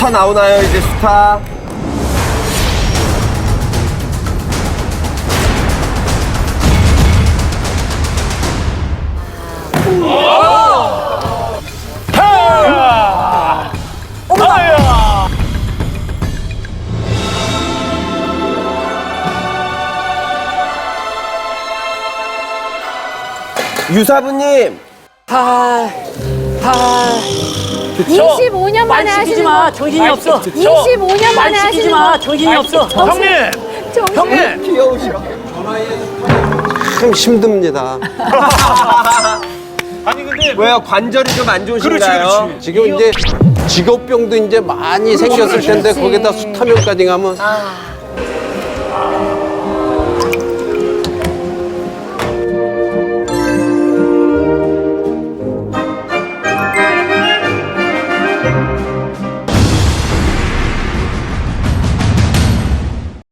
수타 나오나요, 이제 수타? 유사부님. 25년 만에 하시는 마. 거. 정신이 없어. 25년 만에 하시는 마. 거. 정신이 없어. 형님! 형님! 귀여우셔. 참 힘듭니다. 아니 근데 왜요? 관절이 좀 안 좋으신가요? 그렇지. 지금 이제 직업병도 이제 많이 생겼을 텐데 거기다 수타면까지 가면